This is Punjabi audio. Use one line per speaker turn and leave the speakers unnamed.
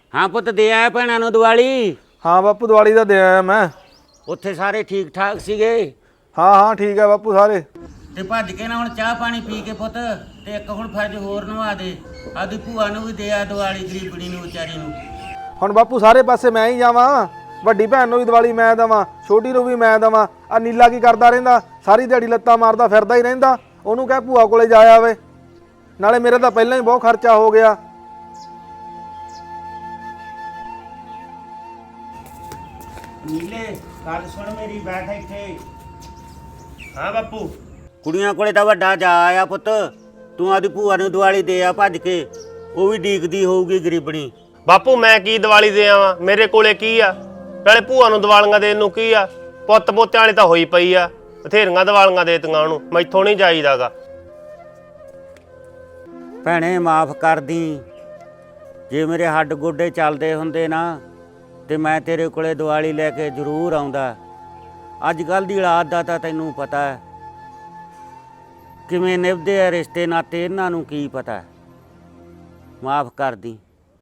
ਹਾਂ ਪੁੱਤ ਦੇ ਆਇਆ ਭੈਣਾਂ ਨੂੰ ਦੀਵਾਲੀ।
ਹਾਂ ਬਾਪੂ ਦੀਵਾਲੀ ਦਾ ਦੇ ਆਇਆ ਮੈਂ।
ਉੱਥੇ ਸਾਰੇ ਠੀਕ ਠਾਕ ਸੀਗੇ?
ਹਾਂ ਠੀਕ ਹੈ ਬਾਪੂ ਸਾਰੇ।
ਤੇ ਭੱਜ ਕੇ ਨਾ ਹੁਣ ਚਾਹ ਪਾਣੀ ਪੀ ਕੇ ਪੁੱਤ ਤੇ ਇੱਕ ਹੁਣ ਫਰਜ਼ ਹੋਰ ਨਵਾ ਦੇ, ਆਪਦੀ ਭੂਆ ਨੂੰ ਵੀ ਦੇ ਆ ਦੀਵਾਲੀ, ਗਰੀਬਣੀ ਨੂੰ ਵਿਚਾਰੀ ਨੂੰ।
ਹੁਣ ਬਾਪੂ ਸਾਰੇ ਪਾਸੇ ਮੈਂ ਹੀ ਜਾਵਾਂ? ਵੱਡੀ ਭੈਣ ਨੂੰ ਵੀ ਦੀਵਾਲੀ ਮੈਂ ਦੇਵਾਂ, ਛੋਟੀ ਨੂੰ ਵੀ ਮੈਂ ਦੇਵਾਂ। ਆ ਨੀਲਾ ਕੀ ਕਰਦਾ ਰਹਿੰਦਾ? ਸਾਰੀ ਦਿਹਾੜੀ ਲੱਤਾਂ ਮਾਰਦਾ ਫਿਰਦਾ ਹੀ ਰਹਿੰਦਾ। ਉਹਨੂੰ ਕਹਿ ਭੂਆ ਕੋਲੇ ਜਾ ਆਵੇ। ਨਾਲੇ ਮੇਰੇ ਤਾਂ ਪਹਿਲਾਂ ਹੀ ਬਹੁਤ ਖਰਚਾ ਹੋ ਗਿਆ।
ਨੀਲੇ ਗੱਲ ਸੁਣ ਮੇਰੀ, ਬੈਠ ਇੱਥੇ।
ਹਾਂ ਬਾਪੂ।
ਕੁੜੀਆਂ ਕੋਲੇ ਤਾਂ ਵੱਡਾ ਜਾ ਆਇਆ ਪੁੱਤ, ਤੂੰ ਆਪਦੀ ਭੂਆ ਨੂੰ ਦੀਵਾਲੀ ਦੇ ਆ ਭੱਜ ਕੇ, ਉਹ ਵੀ ਡੀਕਦੀ ਹੋਊਗੀ ਗਰੀਬਣੀ।
ਬਾਪੂ ਮੈਂ ਕੀ ਦੀਵਾਲੀ ਦੇ ਆਵਾਂ? ਮੇਰੇ ਕੋਲੇ ਕੀ ਆ? ਨਾਲੇ ਭੂਆ ਨੂੰ ਦੀਵਾਲੀਆਂ ਦੇਣ ਨੂੰ ਕੀ ਆ? ਪੁੱਤ ਪੋਤਿਆਂ ਵਾਲੀ ਤਾਂ ਹੋਈ ਪਈ ਆ, ਬਥੇਰੀਆਂ ਦੀਵਾਲੀਆਂ ਦੇਤੀਆਂ ਉਹਨੂੰ, ਮੈਥੋਂ ਨਹੀਂ ਜਾਈਦਾਗਾ।
ਭੈਣੇ ਮਾਫ ਕਰ ਦੀ, ਜੇ ਮੇਰੇ ਹੱਡ ਗੋਡੇ ਚੱਲਦੇ ਹੁੰਦੇ ਨਾ ਤੇ ਮੈਂ ਤੇਰੇ ਕੋਲੇ ਦੀਵਾਲੀ ਲੈ ਕੇ ਜ਼ਰੂਰ ਆਉਂਦਾ। ਅੱਜ ਕੱਲ੍ਹ ਦੀ ਔਲਾਦ ਦਾ ਤਾਂ ਤੈਨੂੰ ਪਤਾ ਹੈ ਕਿਵੇਂ ਨਿਭਦੇ ਆ ਰਿਸ਼ਤੇ ਨਾਤੇ, ਇਹਨਾਂ ਨੂੰ ਕੀ ਪਤਾ। ਮਾਫ ਕਰ ਦੀ।